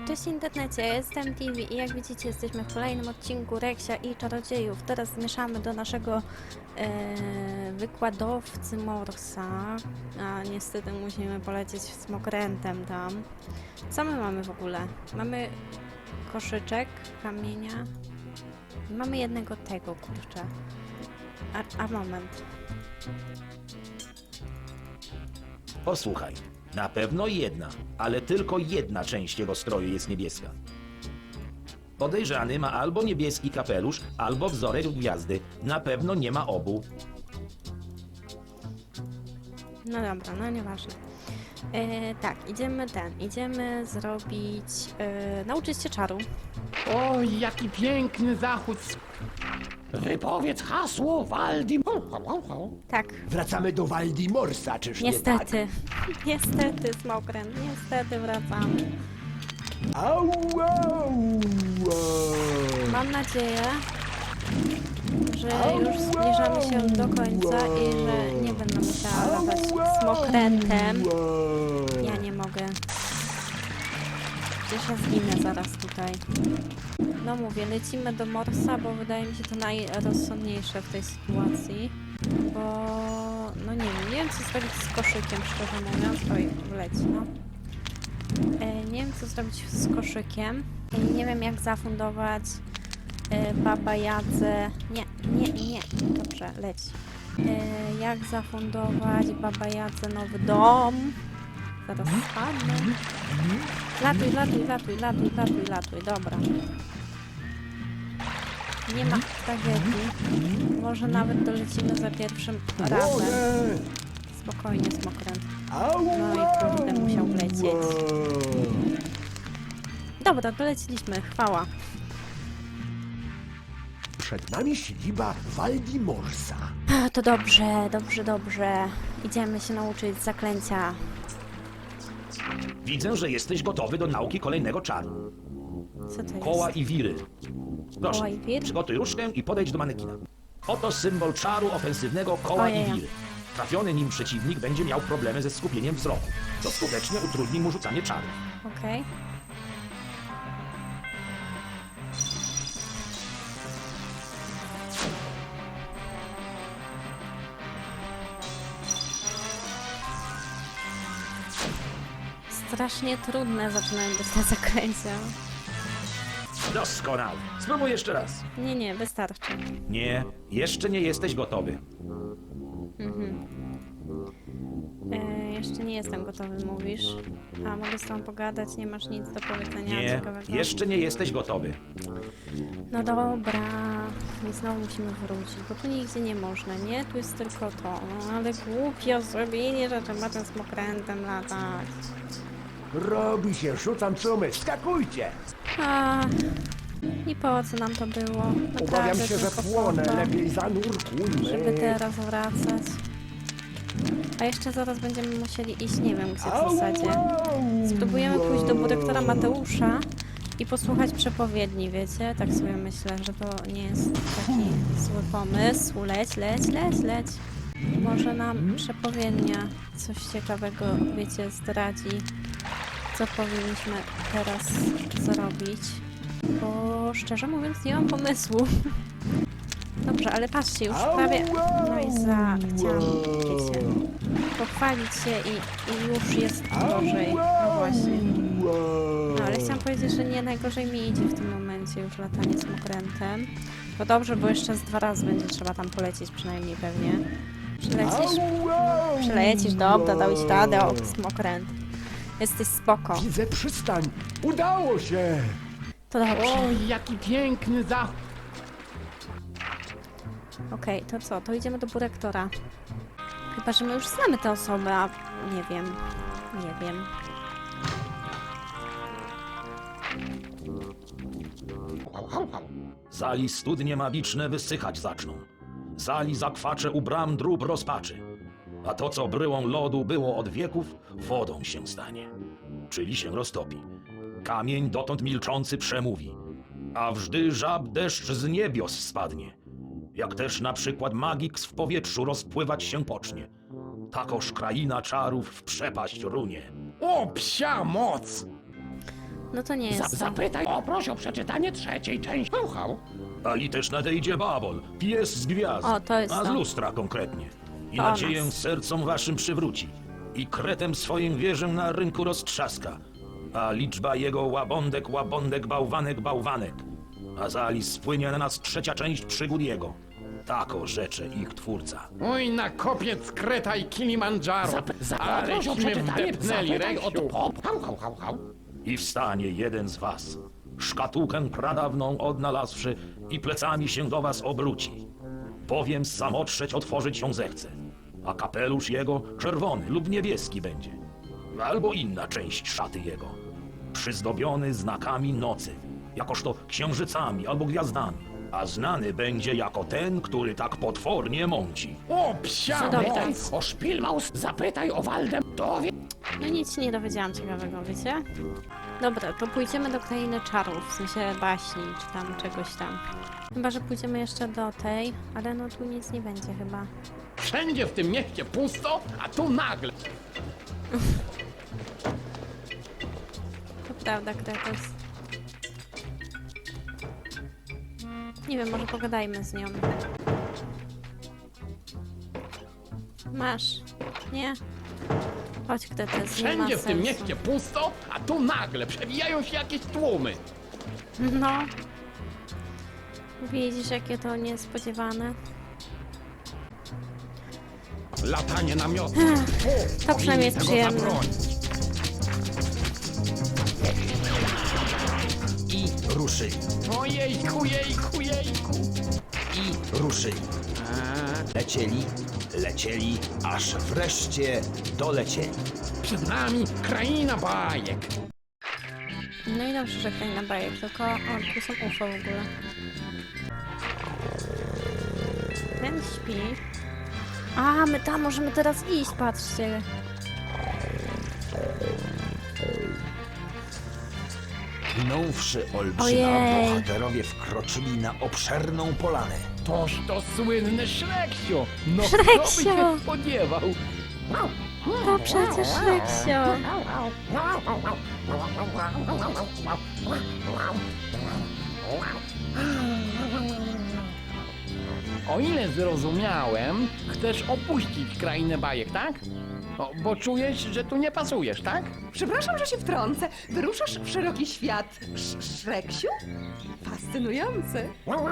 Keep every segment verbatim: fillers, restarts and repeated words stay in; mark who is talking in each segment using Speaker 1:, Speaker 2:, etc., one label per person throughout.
Speaker 1: Cześć internecie, ja jestem T V i jak widzicie jesteśmy w kolejnym odcinku Reksia i Czarodziejów. Teraz zmieszamy do naszego e, wykładowcy Morsa, a niestety musimy polecieć smokrętem tam. Co my mamy w ogóle? Mamy koszyczek kamienia i mamy jednego tego, kurczę. A, a moment.
Speaker 2: Posłuchaj, na pewno jedna, ale tylko jedna część jego stroju jest niebieska. Podejrzany ma albo niebieski kapelusz, albo wzorek gwiazdy. Na pewno nie ma obu.
Speaker 1: No dobra, no nieważne. E, tak, idziemy ten, idziemy zrobić, e, nauczyć się czaru.
Speaker 3: Oj, jaki piękny zachód! Wypowiedz hasło Waldim...
Speaker 1: Tak,
Speaker 4: Wracamy do Waldimorsa, czyż nie tak?
Speaker 1: niestety, niestety Smokręt, niestety wracamy.
Speaker 4: Au, au, au.
Speaker 1: Mam nadzieję, że już zbliżamy się do końca i że nie będę musiała latać Smokrętem. Ja nie mogę. Przecież ja zginę zaraz tutaj. No mówię, lecimy do Morsa, bo wydaje mi się to najrozsądniejsze w tej sytuacji. Bo... no nie wiem, nie wiem co zrobić z koszykiem, szczerze mówiąc. Oj, wleci, no. E, nie wiem co zrobić z koszykiem. I nie wiem jak zafundować e, Baba Jadze. Nie, nie, nie. Dobrze, leci. E, jak zafundować Baba Jadze nowy dom. Zaraz spadnę. Latuj, latuj, latuj, latuj, latuj, latuj. Dobra. Nie ma tragedii. Może nawet dolecimy za pierwszym razem. Spokojnie, Smokręt. No i kurde, musiał wlecieć. Dobra, doleciliśmy. Chwała.
Speaker 4: Przed nami siedziba Waldimorsa.
Speaker 1: A, to dobrze, dobrze, dobrze. Idziemy się nauczyć zaklęcia.
Speaker 2: Widzę, że jesteś gotowy do nauki kolejnego czaru.
Speaker 1: Co to jest?
Speaker 2: Koła i wiry. Proszę,
Speaker 1: Koła i wir?
Speaker 2: przygotuj różdżkę i podejdź do manekina. Oto symbol czaru ofensywnego koła
Speaker 1: Ojej.
Speaker 2: i wiry. Trafiony nim przeciwnik będzie miał problemy ze skupieniem wzroku, co skutecznie utrudni mu rzucanie czaru.
Speaker 1: Okej. Strasznie trudne zaczynają być te zaklęcia.
Speaker 2: Doskonale. Spróbuj jeszcze raz.
Speaker 1: Nie, nie, wystarczy.
Speaker 2: Nie, jeszcze nie jesteś gotowy.
Speaker 1: E, jeszcze nie jestem gotowy, mówisz. A mogę z tobą pogadać, nie masz nic do powiedzenia
Speaker 2: Nie,
Speaker 1: ciekawego?
Speaker 2: jeszcze nie jesteś gotowy.
Speaker 1: No dobra. I znowu musimy wrócić, bo tu nigdzie nie można, nie? Tu jest tylko to. No ale głupio zrobienie, że trzeba tym smokrętem latać.
Speaker 4: Robi się, rzucam cumy, skakujcie!
Speaker 1: A, i po co nam to było?
Speaker 4: Obawiam
Speaker 1: Naprawdę
Speaker 4: się, że
Speaker 1: tylko
Speaker 4: płonę,
Speaker 1: po to,
Speaker 4: lepiej zanurkujmy.
Speaker 1: żeby teraz wracać. A jeszcze zaraz będziemy musieli iść, nie wiem gdzie w zasadzie. Spróbujemy pójść do dyrektora Mateusza i posłuchać przepowiedni, wiecie? Tak sobie myślę, że to nie jest taki zły pomysł. Leć, leć, leć, leć. Może nam przepowiednia coś ciekawego, wiecie, zdradzi, co powinniśmy teraz zrobić. Bo szczerze mówiąc nie mam pomysłu. Dobrze, ale patrzcie, już prawie... No i za... chciałam, wiecie, pochwalić się i, i już jest gorzej. No właśnie. No ale chciałam powiedzieć, że nie najgorzej mi idzie w tym momencie już latanie smokrętem. To dobrze, bo jeszcze z dwa razy będzie trzeba tam polecieć przynajmniej pewnie. Przylecisz? Przylecisz, dobra, dałeś radę, o, smokręt. Jesteś spoko.
Speaker 4: Widzę przystań. Udało się!
Speaker 1: To dobrze.
Speaker 3: Oj, jaki piękny zachód!
Speaker 1: Okej, to co? To idziemy do dyrektora. Chyba, że my już znamy tę osobę, a nie wiem. Nie wiem.
Speaker 2: Zali studnie magiczne wysychać zaczną. Zali zakwacze u bram drób rozpaczy. A to, co bryłą lodu było od wieków, wodą się stanie. Czyli się roztopi. Kamień dotąd milczący przemówi. A wżdy żab deszcz z niebios spadnie. Jak też na przykład magiks w powietrzu rozpływać się pocznie. Takoż kraina czarów w przepaść runie.
Speaker 3: O, psia moc!
Speaker 1: No to nie
Speaker 3: Za,
Speaker 1: jest to.
Speaker 3: zapytaj, o proszę o przeczytanie trzeciej części. Słuchał.
Speaker 2: Ali też nadejdzie Babol, pies z gwiazd,
Speaker 1: O, to jest
Speaker 2: a z
Speaker 1: to.
Speaker 2: lustra konkretnie. I
Speaker 1: To o
Speaker 2: nadzieję
Speaker 1: nas.
Speaker 2: sercom waszym przywróci. I kretem swoim wieżę na rynku roztrzaska. A liczba jego łabądek, łabądek, bałwanek, bałwanek. A za Ali spłynie na nas trzecia część przygód jego. Tako rzecze ich twórca.
Speaker 3: Oj, na kopiec Kreta i Kilimandżaro. Zap, zap,
Speaker 5: proszę o przeczytanie,
Speaker 3: wdepnęli
Speaker 5: zapytaj
Speaker 3: rej od
Speaker 5: się.
Speaker 3: pop. Hał, hał, hał, hał.
Speaker 2: I wstanie jeden z was, szkatułkę pradawną odnalazłszy i plecami się do was obróci. Bowiem samotrzeć otworzyć ją zechce, a kapelusz jego czerwony lub niebieski będzie, albo inna część szaty jego, przyzdobiony znakami nocy, jakoż to księżycami albo gwiazdami, a znany będzie jako ten, który tak potwornie mąci.
Speaker 3: O, psia!
Speaker 1: Cudowne.
Speaker 3: Zapytaj o Szpilmaus, zapytaj o Waldem. Dowie...
Speaker 1: No nic się nie dowiedziałam ciekawego, wiecie? Dobra, to pójdziemy do Krainy Czarów, w sensie baśni, czy tam czegoś tam. Chyba, że pójdziemy jeszcze do tej, ale no tu nic nie będzie chyba.
Speaker 3: Wszędzie w tym mieście pusto, a tu nagle.
Speaker 1: To prawda, Kretos. Nie wiem, może pogadajmy z nią. Masz. Nie? Chodź, Kretos, nie ma
Speaker 3: Wszędzie w tym
Speaker 1: sensu.
Speaker 3: mieście pusto, a tu nagle przewijają się jakieś tłumy.
Speaker 1: No. Widzisz, jakie to niespodziewane.
Speaker 3: Latanie namiotu.
Speaker 1: To przynajmniej jest przyjemne.
Speaker 6: I ruszyli.
Speaker 3: Ojejku, jejku, jejku.
Speaker 6: I ruszyli. Lecieli, lecieli, aż wreszcie dolecieli.
Speaker 3: Przed nami kraina bajek.
Speaker 1: No i dobrze, że Kraina Bajek, tylko o, tu są U F O w ogóle. Ten śpi. A, my tam możemy teraz iść, patrzcie.
Speaker 6: Minąwszy Olbrzyma,
Speaker 1: Ojej.
Speaker 6: bohaterowie wkroczyli na obszerną polanę.
Speaker 3: Toż to słynny Szreksiu. No
Speaker 1: Szreksio.
Speaker 3: kto by się spodziewał?
Speaker 1: To przecież Reksio.
Speaker 3: O ile zrozumiałem, chcesz opuścić krainę bajek, tak? O, bo czujesz, że tu nie pasujesz, tak?
Speaker 5: Przepraszam, że się wtrącę. Wyruszasz w szeroki świat. Sz Szreksiu? Fascynujące.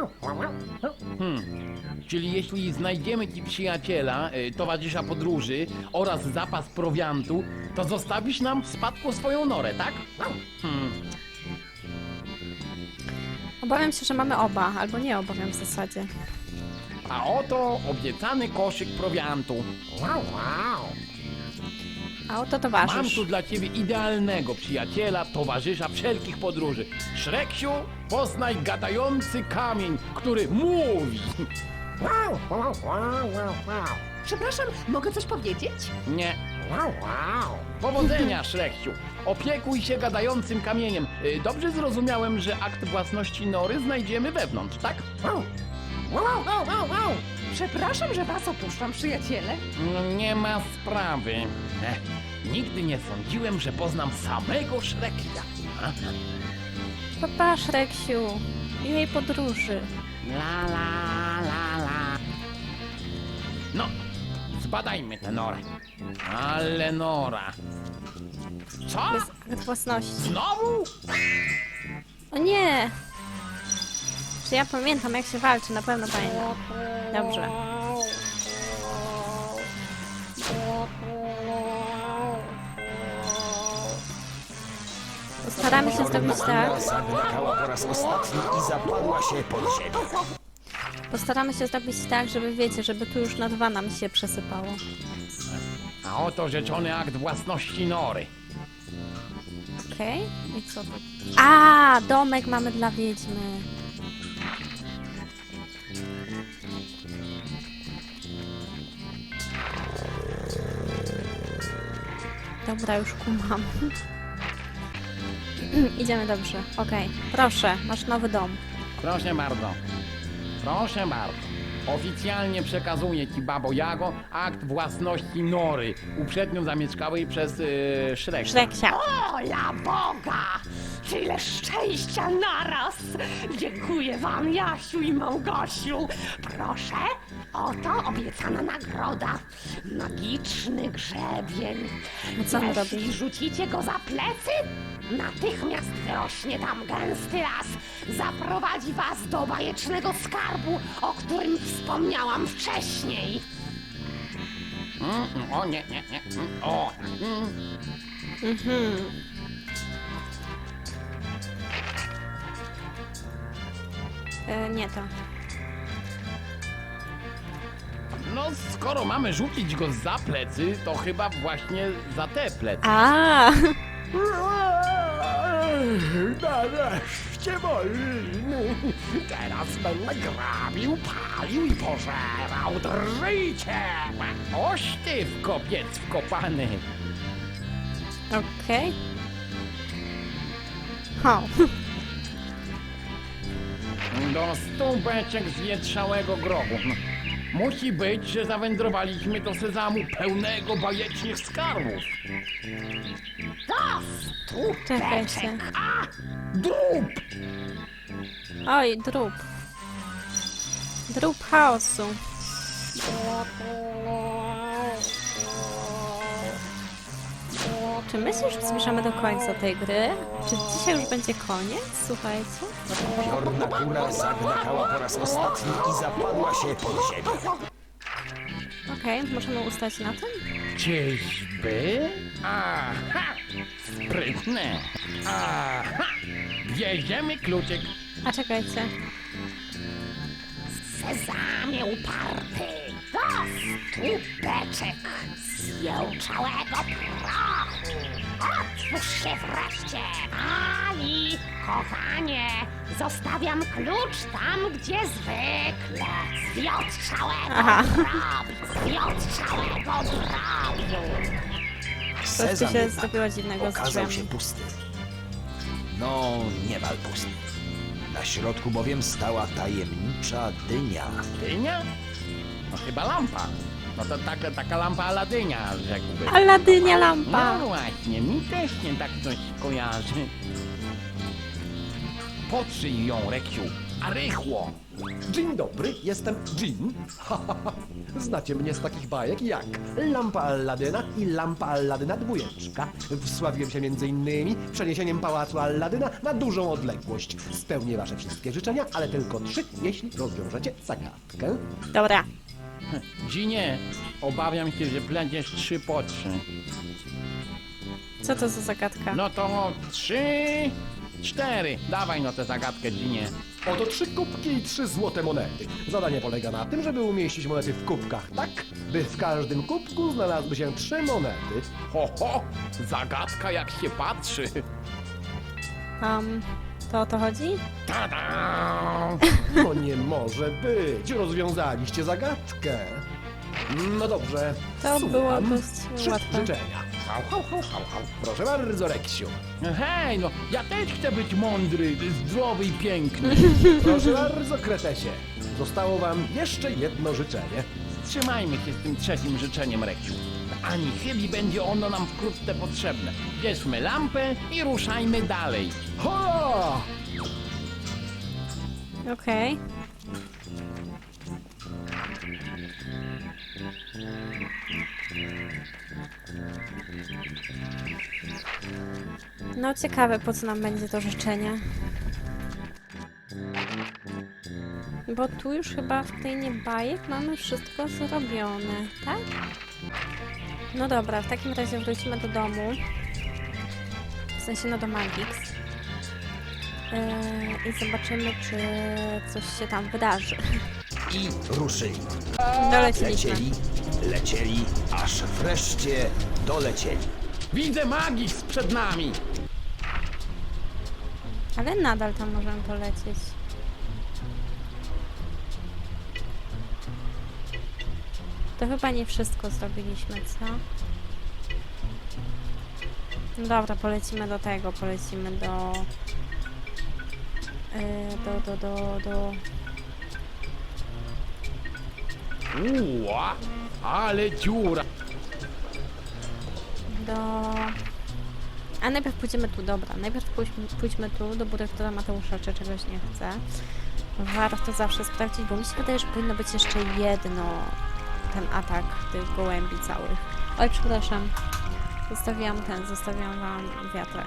Speaker 3: Czyli jeśli znajdziemy ci przyjaciela, y, towarzysza podróży oraz zapas prowiantu, to zostawisz nam w spadku swoją norę, tak? Hmm.
Speaker 1: Obawiam się, że mamy oba, albo nie obawiam w zasadzie.
Speaker 3: A oto obiecany koszyk prowiantu.
Speaker 1: A oto
Speaker 3: Mam
Speaker 1: towarzysz.
Speaker 3: tu dla ciebie idealnego przyjaciela, towarzysza wszelkich podróży. Szreksiu, poznaj gadający kamień, który mówi.
Speaker 5: Przepraszam, mogę coś powiedzieć?
Speaker 3: Nie. Powodzenia, Szreksiu. Opiekuj się gadającym kamieniem. Y, Dobrze zrozumiałem, że akt własności nory znajdziemy wewnątrz, tak?
Speaker 5: Przepraszam, że was opuszczam, przyjaciele.
Speaker 3: No, nie ma sprawy. Ech, nigdy nie sądziłem, że poznam samego Szreksia. A?
Speaker 1: Popatrz, Reksiu. Miłej podróży.
Speaker 3: La la la la. No, zbadajmy tę norę. Ale nora. Co?
Speaker 1: Bez akt własności.
Speaker 3: Znowu?
Speaker 1: O nie! Czy ja pamiętam, jak się walczy? Na pewno pamiętam. Dobrze. Postaramy się zrobić tak.
Speaker 6: Zagłakała po raz ostatni i zapadła się pod ziemię.
Speaker 1: Postaramy się zrobić tak, żeby wiecie, żeby tu już na dwa nam się przesypało.
Speaker 3: A oto rzeczony akt własności nory.
Speaker 1: Okej? I co to? A, domek mamy dla wiedźmy. Dobra, już kumam. Idziemy dobrze. Okej. Proszę, masz nowy dom.
Speaker 3: Proszę bardzo. Proszę bardzo. Oficjalnie przekazuję ci, Babo Jago, akt własności nory, uprzednio zamieszkałej przez yy, Szrek.
Speaker 1: Szreksia.
Speaker 5: O, ja Boga!
Speaker 7: Tyle szczęścia naraz! Dziękuję wam, Jasiu i Małgosiu. Proszę, oto obiecana nagroda. Magiczny grzebień.
Speaker 1: A co on
Speaker 7: Jeśli
Speaker 1: robi?
Speaker 7: rzucicie go za plecy, natychmiast wyrośnie tam gęsty las. Zaprowadzi was do bajecznego skarbu, o którym wspomniałam wcześniej.
Speaker 3: Mm, mm, o nie, nie, nie. Mm, o. Mm.
Speaker 1: Mhm. E, nie to.
Speaker 3: No, skoro mamy rzucić go za plecy, to chyba właśnie za te plecy.
Speaker 1: A,
Speaker 4: Nareszcie wolny. Teraz będę grabił, palił i pożerał. Drżyjcie!
Speaker 3: Oś ty w kopiec wkopany.
Speaker 1: okej. Ho.
Speaker 3: Do stu beczek zwietrzałego grobu. No, musi być, że zawędrowaliśmy do sezamu pełnego bajecznych skarbów.
Speaker 7: Do stu
Speaker 1: Czekajcie.
Speaker 3: Drób!
Speaker 1: Oj, drób. Drób chaosu. Czy my się już zbliżamy do końca tej gry? Czy dzisiaj już będzie koniec? Słuchajcie.
Speaker 6: Piorna kura zagłakała po raz ostatni i zapadła się pod ziemię.
Speaker 1: Okej, możemy ustać na tym?
Speaker 3: Czyżby? Aha! Sprytne! Aha! Bierzemy kluczyk.
Speaker 1: A czekajcie.
Speaker 7: Sezamie uparty, do stu beczek zjełczałego prochu. Otwórz się wreszcie, Ali, kochanie. Zostawiam klucz tam, gdzie zwykle. Zjotrzałego
Speaker 1: Aha.
Speaker 7: drobiu, zjotrzałego drobiu.
Speaker 1: Coś tu
Speaker 6: Sezam
Speaker 1: się
Speaker 6: jednak
Speaker 1: zrobiło dziwnego z
Speaker 6: okazał
Speaker 1: drzwiami.
Speaker 6: się pusty. No, niemal pusty. Na środku bowiem stała tajemnicza dynia.
Speaker 3: Dynia? No chyba lampa. No to taka, taka lampa Aladynia, rzekłbym.
Speaker 1: Aladynia lampa.
Speaker 3: No właśnie, mi też nie tak coś kojarzy. Potrzyj ją, Reksiu, a rychło!
Speaker 4: Dzień dobry, jestem Jin. Znacie mnie z takich bajek jak Lampa Alladyna i Lampa Alladyna dwójeczka. Wsławiłem się między innymi przeniesieniem pałacu Alladyna na dużą odległość. Spełnię wasze wszystkie życzenia, ale tylko trzy, jeśli rozwiążecie zagadkę.
Speaker 1: Dobra.
Speaker 3: Dzinie, obawiam się, że będziesz trzy po trzy.
Speaker 1: Co to za zagadka?
Speaker 3: No to trzy, cztery. Dawaj no tę zagadkę, Dzinie.
Speaker 4: Oto trzy kubki i trzy złote monety. Zadanie polega na tym, żeby umieścić monety w kubkach tak, by w każdym kubku znalazły się trzy monety.
Speaker 3: Ho, ho! Zagadka jak się patrzy.
Speaker 1: Um, to o to chodzi?
Speaker 3: Tada!
Speaker 4: No nie może być, rozwiązaliście zagadkę. No dobrze,
Speaker 1: To
Speaker 4: słucham.
Speaker 1: było dość
Speaker 4: Trzy
Speaker 1: łatwe.
Speaker 4: życzenia. Hał, hał, hał, hał, hał. Proszę bardzo, Reksiu.
Speaker 3: Hej, no ja też chcę być mądry, zdrowy i piękny.
Speaker 4: Proszę bardzo, Kretesie. Zostało wam jeszcze jedno życzenie.
Speaker 3: Trzymajmy się z tym trzecim życzeniem, Reksiu. Ani chybi będzie ono nam wkrótce potrzebne. Bierzmy lampę i ruszajmy dalej.
Speaker 4: Ho!
Speaker 1: Okej. No ciekawe, po co nam będzie to życzenie. Bo tu już chyba w tej bajek mamy wszystko zrobione, tak? No dobra, w takim razie wrócimy do domu. W sensie no do Magix. Yy, I zobaczymy, czy coś się tam wydarzy.
Speaker 6: I ruszyli.
Speaker 1: Doleciliśmy.
Speaker 6: Lecieli, lecieli, aż wreszcie dolecieli.
Speaker 3: Widzę Magix przed nami.
Speaker 1: Ale nadal tam możemy polecieć. To chyba nie wszystko zrobiliśmy, co? No dobra, polecimy do tego, polecimy do... Yy, do, do, do, do...
Speaker 3: Uła, ale dziura.
Speaker 1: do... A najpierw pójdziemy tu, dobra. Najpierw pójdźmy, pójdźmy tu do dyrektora Mateusza, czy czegoś nie chce. Warto zawsze sprawdzić, bo mi się wydaje, że powinno być jeszcze jedno, ten atak tych gołębi całych. Oj, przepraszam. Zostawiłam ten, zostawiłam wam wiatrak.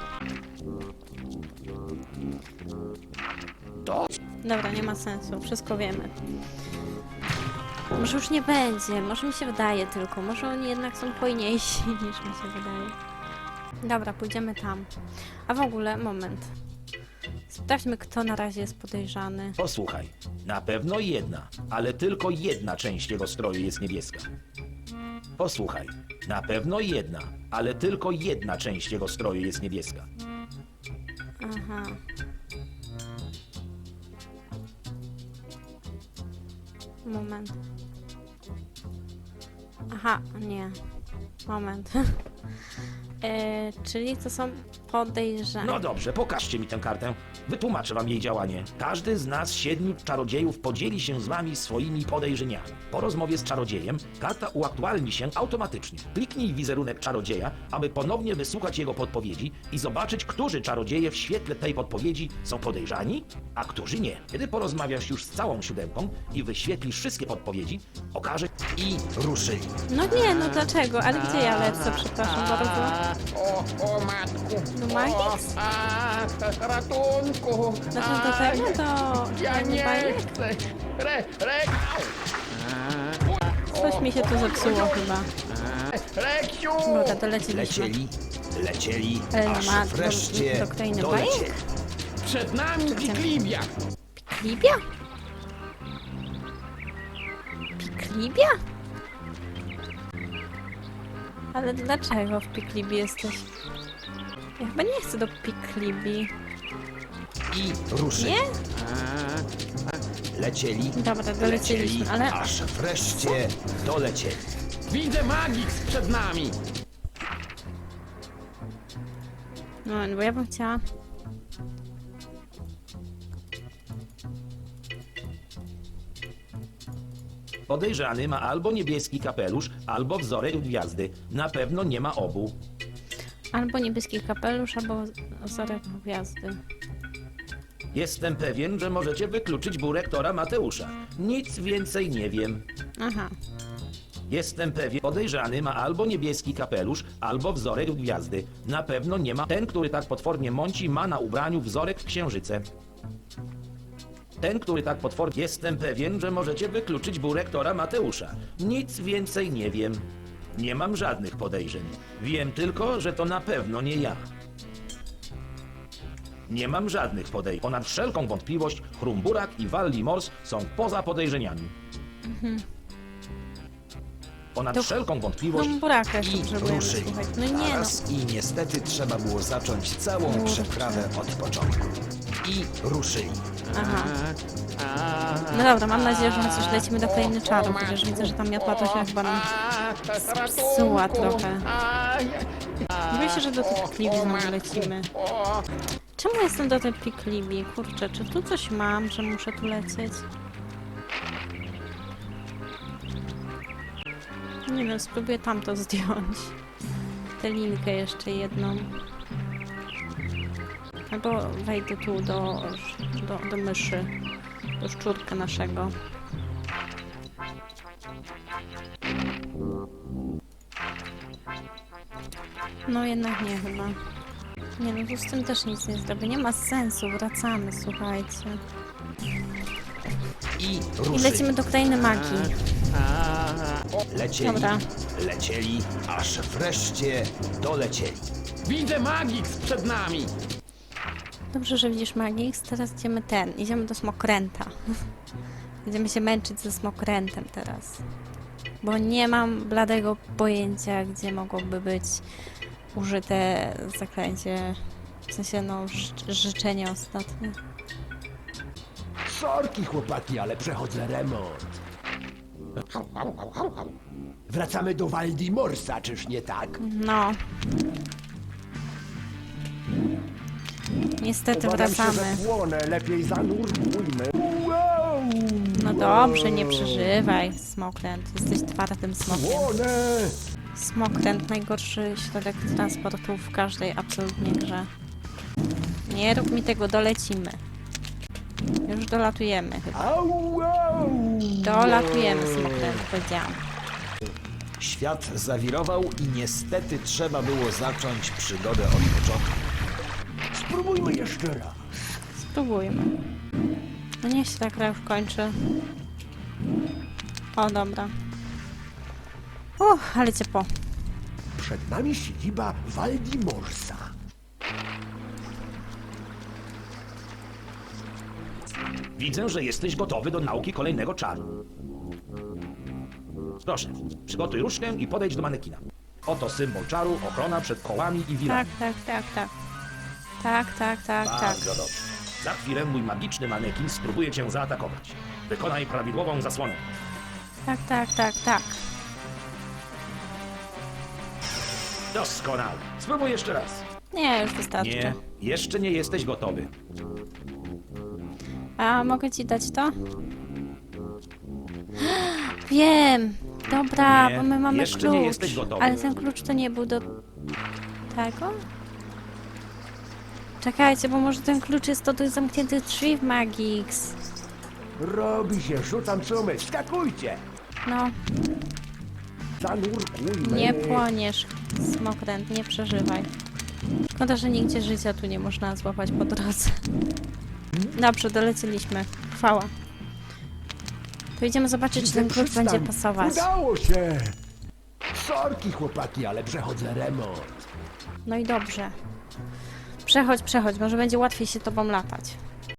Speaker 1: Dobra, nie ma sensu, wszystko wiemy. Może już nie będzie, może mi się wydaje tylko, może oni jednak są hojniejsi niż mi się wydaje. Dobra, pójdziemy tam. A w ogóle, moment. Sprawdźmy, kto na razie jest podejrzany.
Speaker 2: Posłuchaj, na pewno jedna, ale tylko jedna część jego stroju jest niebieska. Posłuchaj, na pewno jedna, ale tylko jedna część jego stroju jest niebieska.
Speaker 1: Aha. Moment. Aha, nie. Moment. e, czyli to są podejrzani.
Speaker 2: No dobrze, pokażcie mi tę kartę. Wytłumaczę wam jej działanie. Każdy z nas, siedmiu czarodziejów, podzieli się z wami swoimi podejrzeniami. Po rozmowie z czarodziejem karta uaktualni się automatycznie. Kliknij wizerunek czarodzieja, aby ponownie wysłuchać jego podpowiedzi i zobaczyć, którzy czarodzieje w świetle tej podpowiedzi są podejrzani, a którzy nie. Kiedy porozmawiasz już z całą siódemką i wyświetlisz wszystkie podpowiedzi, okaże
Speaker 6: I ruszyli.
Speaker 1: No nie, no dlaczego? Ale gdzie ja lecę? Przepraszam bardzo.
Speaker 3: O, o matku.
Speaker 1: Do Magix?
Speaker 3: A, ratunku.
Speaker 1: Znaczy do tego? Do...
Speaker 3: Ja nie
Speaker 1: bajek?
Speaker 3: chcę. Re, re,
Speaker 1: Coś mi się tu zepsuło chyba.
Speaker 3: Reksiu!
Speaker 1: Dobra, to leciliśmy.
Speaker 6: Lecieli, lecieli,
Speaker 1: Ale
Speaker 6: aż
Speaker 1: ma do-
Speaker 6: wreszcie
Speaker 1: do krainy bajek?
Speaker 6: dolecieli.
Speaker 3: Przed nami Piklibia.
Speaker 1: Piklibia? Piklibia? Ale dlaczego w Piklibii jesteś? Ja chyba nie chcę do Piklibii.
Speaker 6: I ruszyli.
Speaker 1: Nie?
Speaker 6: Lecieli,
Speaker 1: Dobra, doleciliśmy,
Speaker 6: lecieli,
Speaker 1: ale...
Speaker 6: aż wreszcie dolecieli.
Speaker 3: Widzę Magix przed nami.
Speaker 1: No, bo ja bym chciała...
Speaker 2: podejrzany ma albo niebieski kapelusz, albo wzorek gwiazdy. Na pewno nie ma obu.
Speaker 1: Albo niebieski kapelusz, albo wzorek gwiazdy.
Speaker 2: Jestem pewien, że możecie wykluczyć burektora Mateusza. Nic więcej nie wiem.
Speaker 1: Aha.
Speaker 2: Jestem pewien, podejrzany ma albo niebieski kapelusz, albo wzorek gwiazdy. Na pewno nie ma. Ten, który tak potwornie mąci, ma na ubraniu wzorek w księżyce. Ten, który tak potwornie... Jestem pewien, że możecie wykluczyć burektora Mateusza. Nic więcej nie wiem. Nie mam żadnych podejrzeń. Wiem tylko, że to na pewno nie ja. Nie mam żadnych podejrzeń. Ponad wszelką wątpliwość Chrumburak i Wallimors są poza podejrzeniami. Ponad
Speaker 1: To
Speaker 2: wszelką wątpliwość...
Speaker 1: Buraka jeszcze
Speaker 6: I
Speaker 1: potrzebujemy,
Speaker 6: ruszyli.
Speaker 1: słuchaj. No nie no.
Speaker 6: Naraz i niestety trzeba było zacząć całą
Speaker 1: Kurczę.
Speaker 6: przeprawę od początku. I ruszyli.
Speaker 1: Aha. No dobra, mam nadzieję, że chociaż lecimy do krainy czarów, chociaż widzę, że tam miotła to się chyba nam spsuła trochę. Boję się, że do tych Piklibii znowu lecimy. Czemu jestem do tej Piklibii? Kurczę, czy tu coś mam, że muszę tu lecieć? Nie wiem, spróbuję tamto zdjąć. Tę linkę jeszcze jedną. Albo wejdę tu do, do, do myszy, do szczurka naszego. No jednak nie chyba. Nie no, tu z tym też nic nie zrobię. Nie ma sensu, wracamy, słuchajcie.
Speaker 6: I
Speaker 1: I
Speaker 6: ruszyli.
Speaker 1: lecimy do krainy magii.
Speaker 6: Lecieli,
Speaker 1: Dobra.
Speaker 6: lecieli, aż wreszcie dolecieli.
Speaker 3: Widzę Magix przed nami.
Speaker 1: Dobrze, że widzisz Magix. Teraz idziemy ten. Idziemy do Smokręta. Będziemy się męczyć ze Smokrętem teraz. Bo nie mam bladego pojęcia, gdzie mogłoby być użyte zaklęcie. W sensie, no, ży- życzenie ostatnie.
Speaker 4: Sorki, chłopaki, ale przechodzę remont. Wracamy do Waldimorsa, czyż nie tak?
Speaker 1: No. Niestety
Speaker 4: Obawiam się,
Speaker 1: wracamy.
Speaker 4: że płonę, lepiej zanurkujmy. Wow!
Speaker 1: No dobrze, nie przeżywaj, Smokręt. Jesteś twardym smokiem.
Speaker 4: Płonę!
Speaker 1: Smokręt, najgorszy środek transportu w każdej absolutnie grze. Nie rób mi tego, dolecimy. Już dolatujemy chyba.
Speaker 4: Au, au.
Speaker 1: Dolatujemy, Smokręt, powiedziałam.
Speaker 6: Świat zawirował i niestety trzeba było zacząć przygodę od początku.
Speaker 4: Spróbujmy jeszcze raz.
Speaker 1: Spróbujmy. No niech się ta gra już kończy. O, dobra. Uff, ale ciepło.
Speaker 4: Przed nami siedziba Waldimorsa.
Speaker 2: Widzę, że jesteś gotowy do nauki kolejnego czaru. Proszę, przygotuj różdżkę i podejdź do manekina. Oto symbol czaru, ochrona przed kołami i wilami.
Speaker 1: Tak, tak, tak, tak. Tak, tak, tak, tak.
Speaker 2: Bardzo dobrze. Za chwilę mój magiczny manekin spróbuje cię zaatakować. Wykonaj prawidłową zasłonę.
Speaker 1: Tak, tak, tak, tak.
Speaker 2: Doskonale. Spróbuj jeszcze raz.
Speaker 1: Nie, już wystarczy.
Speaker 2: Nie, jeszcze nie jesteś gotowy.
Speaker 1: A mogę ci dać to? Wiem! Dobra,
Speaker 2: Nie,
Speaker 1: bo my mamy
Speaker 2: jeszcze
Speaker 1: klucz.
Speaker 2: nie jesteś gotowy.
Speaker 1: Ale ten klucz to nie był do tego? Czekajcie, bo może ten klucz jest do tych zamkniętych drzwi w Magix.
Speaker 4: Robi się, rzucam sumy, skakujcie!
Speaker 1: No,
Speaker 4: Zanurkujmy.
Speaker 1: nie płoniesz, Smokręt, nie przeżywaj. Szkoda, że nigdzie życia tu nie można złapać po drodze. Dobrze, doleciliśmy. Chwała. To idziemy zobaczyć, czy ten klucz
Speaker 4: Przystań.
Speaker 1: będzie pasować.
Speaker 4: Udało się! Sorki, chłopaki, ale przechodzę remont.
Speaker 1: No i dobrze. Przechodź, przechodź, może będzie łatwiej się tobą latać.